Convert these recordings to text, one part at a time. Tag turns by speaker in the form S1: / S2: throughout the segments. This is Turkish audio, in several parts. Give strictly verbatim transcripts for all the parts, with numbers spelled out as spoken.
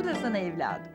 S1: Bu da sana evladım.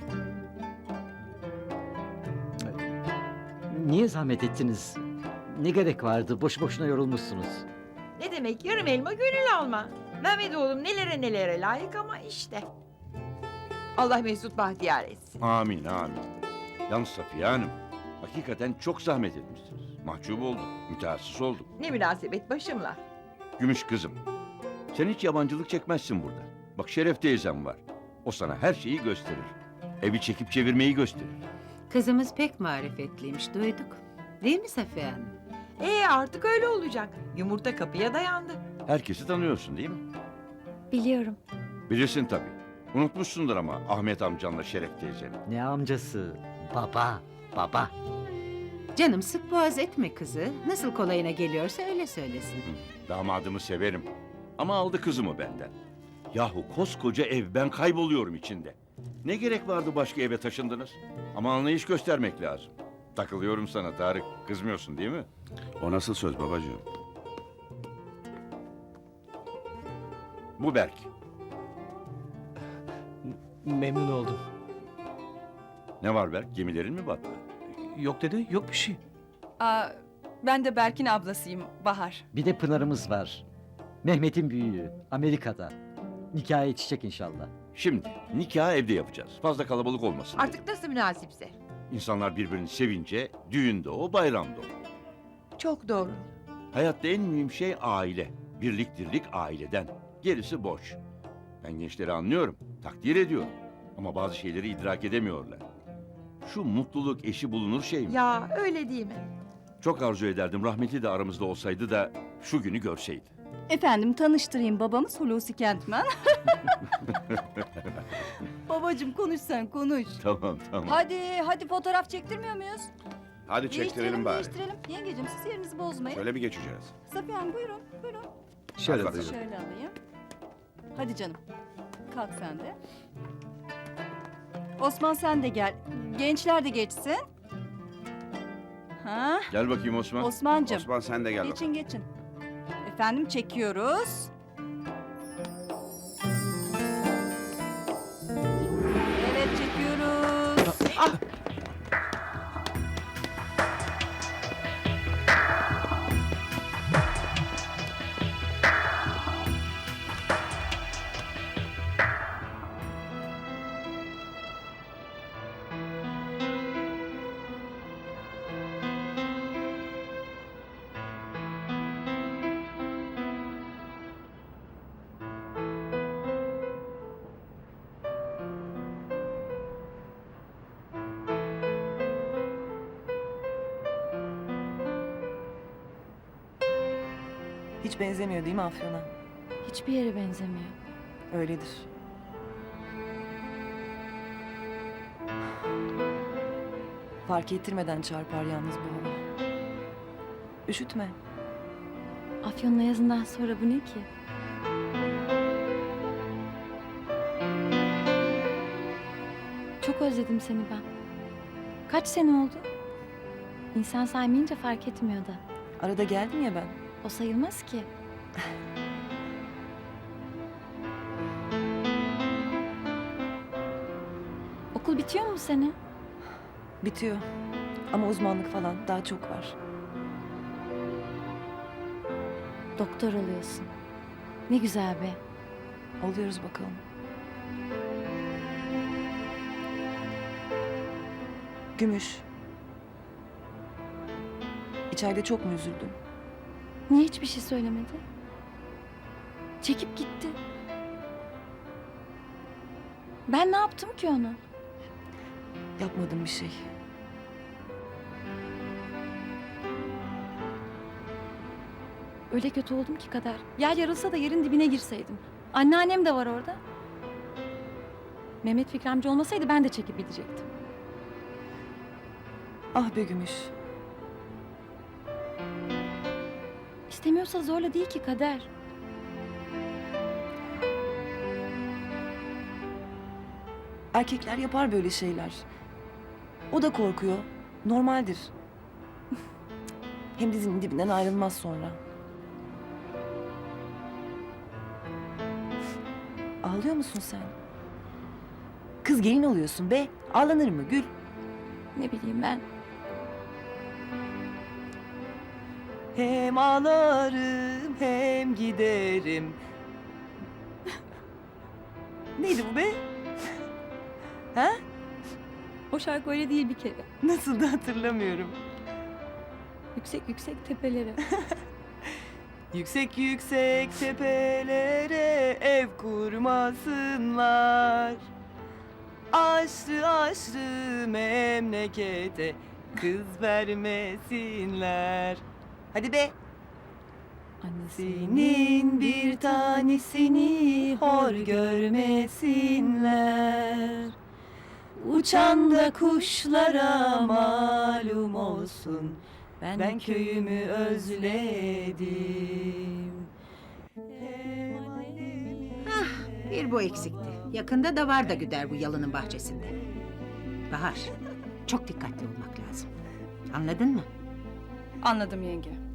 S2: Niye zahmet ettiniz? Ne gerek vardı? Boş boşuna yorulmuşsunuz.
S1: Ne demek yarım elma gönül alma. Mehmet oğlum nelere nelere layık ama işte. Allah Mesut bahtiyar etsin.
S3: Amin amin. Yalnız Safiye Hanım, hakikaten çok zahmet etmişsiniz. Mahcup oldum, mütehassıs oldum.
S1: Ne münasebet başımla.
S3: Gümüş kızım, sen hiç yabancılık çekmezsin burada. Bak Şeref teyzem var. O sana her şeyi gösterir. Evi çekip çevirmeyi gösterir.
S4: Kızımız pek marifetliymiş, duyduk. Değil mi Safiye Hanım?
S1: Ee artık öyle olacak. Yumurta kapıya dayandı.
S3: Herkesi tanıyorsun değil mi?
S5: Biliyorum.
S3: Bilirsin tabii. Unutmuşsundur ama Ahmet amcanla Şeref teyzeni.
S2: Ne amcası? Baba, baba.
S4: Canım sık boğaz etme kızı. Nasıl kolayına geliyorsa öyle söylesin.
S3: Hı, damadımı severim. Ama aldı kızımı benden. Yahu koskoca ev, ben kayboluyorum içinde. Ne gerek vardı başka eve taşındınız? Ama anlayış göstermek lazım. Takılıyorum sana Tarık. Kızmıyorsun değil mi?
S6: O nasıl söz babacığım?
S3: Bu Berk.
S7: Memnun oldum.
S3: Ne var Berk? Gemilerin mi battı?
S7: Yok dede, yok bir şey.
S8: Aa, ben de Berk'in ablasıyım, Bahar.
S2: Bir de Pınar'ımız var. Mehmet'in büyüğü. Amerika'da. Nikaha yetişecek inşallah.
S3: Şimdi nikahı evde yapacağız. Fazla kalabalık olmasın diye.
S1: Artık nasıl münasipse.
S3: İnsanlar birbirini sevince düğünde o, bayramda o.
S1: Çok doğru.
S3: Hayatta en mühim şey aile. Birlik dirlik aileden. Gerisi boş. Ben gençleri anlıyorum, takdir ediyorum. Ama bazı şeyleri idrak edemiyorlar. Şu mutluluk eşi bulunur şey mi?
S1: Ya öyle değil mi?
S3: Çok arzu ederdim rahmetli de aramızda olsaydı da şu günü görseydi.
S8: Efendim tanıştırayım, babamız Hulusi Kentmen. Babacığım konuş sen, konuş.
S3: Tamam tamam.
S8: Hadi, hadi fotoğraf çektirmiyor muyuz?
S6: Hadi çektirelim bari.
S8: Değiştirelim. Yengeciğim siz yerinizi bozmayın.
S6: Şöyle bir geçeceğiz.
S8: Safiye Hanım buyurun, buyurun.
S7: Şöyle
S6: Hadi
S7: buyurun.
S6: bakalım.
S8: Şöyle alayım. Hadi canım. Kalk sen de. Osman sen de gel. Gençler de geçsin. Ha?
S3: Gel bakayım Osman.
S8: Osman'cığım.
S6: Osman sen de gel
S8: Geçin
S6: bakalım.
S8: geçin. Efendim çekiyoruz. Evet çekiyoruz.
S9: Hiç benzemiyor değil mi Afyon'a?
S5: Hiçbir yere benzemiyor.
S9: Öyledir. Fark ettirmeden çarpar yalnız bu hava. Üşütme.
S5: Afyon'la yazından sonra bu ne ki? Çok özledim seni ben. Kaç sene oldu? İnsan saymayınca fark etmiyor da.
S9: Arada geldim ya ben.
S5: O sayılmaz ki. Okul bitiyor mu bu sene?
S9: Bitiyor. Ama uzmanlık falan daha çok var.
S5: Doktor oluyorsun. Ne güzel be.
S9: Oluyoruz bakalım. Gümüş. İçeride çok mu üzüldün?
S5: Niye hiçbir şey söylemedi? Çekip gitti. Ben ne yaptım ki onu?
S9: Yapmadım bir şey.
S5: Öyle kötü oldum ki Kader. Yer yarılsa da yerin dibine girseydim. Anneannem de var orada. Mehmet Fikri amca olmasaydı ben de çekip gidecektim.
S9: Ah be Gümüş.
S5: İstemiyorsa zorla değil ki Kader.
S9: Erkekler yapar böyle şeyler. O da korkuyor. Normaldir. Hem dizinin dibinden ayrılmaz sonra. Ağlıyor musun sen? Kız gelin oluyorsun be. Ağlanır mı Gül?
S5: Ne bileyim ben.
S9: Hem ağlarım hem giderim. Neydi bu be? Ha?
S5: O şarkı öyle değil bir kere.
S9: Nasıl da hatırlamıyorum.
S5: Yüksek yüksek tepelere.
S9: Yüksek yüksek tepelere ev kurmasınlar. Aşrı aşrı memlekete kız vermesinler. Hadi be. Senin bir tanesini hor görmesinler. Uçan da kuşlara malum olsun. Ben köyümü özledim.
S4: Bir bu eksikti. Yakında da var da güder bu yalının bahçesinde. Bahar, çok dikkatli olmak lazım. Anladın mı?
S8: Anladım yenge.